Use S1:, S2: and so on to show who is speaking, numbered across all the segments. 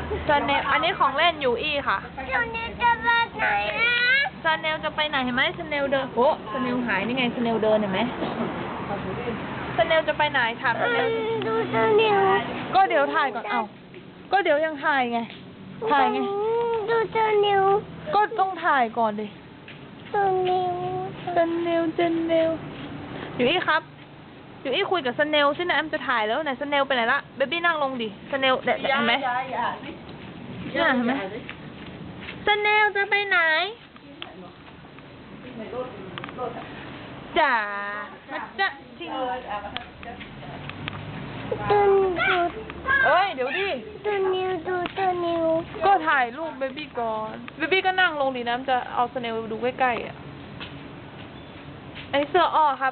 S1: ซาเนลอันนี้ของเล่นยูอี้ค่ะ
S2: ซาเนลจะไปไหนนะ
S1: ซาเนลจะไปไหนเห็นไหมซาเนลเดินโอ้ซาเนลหายนี่ไงซาเนลเดินเห็นไหมซาเนลจะไปไหนถามซาเนล
S2: ดูซาเนล
S1: ก็เดี๋ยวถ่ายก่อนเอ้าก็เดี๋ยวยังถ่ายไงถ่ายไง
S2: ดูซาเนล
S1: ก็ต้องถ่ายก่อนดิ
S2: ซาเนล
S1: ซาเนลยูอี้ครับยูอี้คุยกับซาเนลสินะแอมจะถ่ายแล้วไหนซาเนลไปไหนละเบบี้นั่งลงดิซาเนลเห็นไหมเนี่ยเห็นไหมซาเนลจะไปไหนจ๋ามาจ๊ะจริง
S2: ดู
S1: เอ้ยเดี๋ยวดิ
S2: ซาเนลดูซาเนล
S1: ก็ถ่ายรูปเบบี้ก่อนเบบี้ก็นั่งลงดิน้ำจะเอาซาเนลดูใกล้ๆอ่ะอันนี้เสื้ออ้อครับ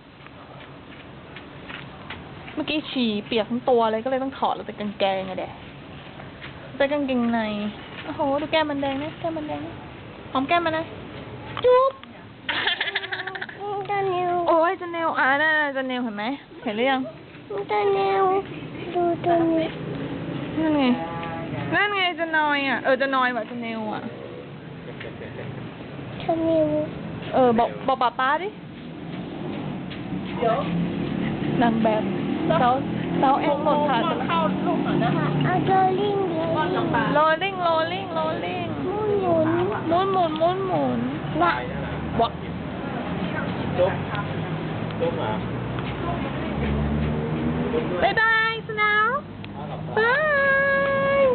S1: เมื่อกี้ฉี่เปียกทั้งตัวเลยก็เลยต้องถอดแล้วแต่กางเกงไงเด็กแต่กางเกงในโอ้โหดูแก้มมันแดงนะแก้มมันแดงหอมแก้มมันนะจุ๊บ
S2: ซาเนล
S1: โอ้ยจันเนลนั่นจันเนลเห็นไหมเห็นหรือยัง
S2: ซาเนลดูซาเนล
S1: นั่นไงจะนอยจะนอยว่ะจันเนลอ่ะ
S2: ซาเนล
S1: บอกป้าดิเดี๋ยวนางแบบสาวแอนหมดค่ะเข้าลูกหน่อยนะ
S2: เอาโรลลิ่งเลย
S1: โรลลิ่ง
S2: หมุน
S1: นะบอก
S3: จุ๊บมา
S1: บ๊ายบายสนาวบาย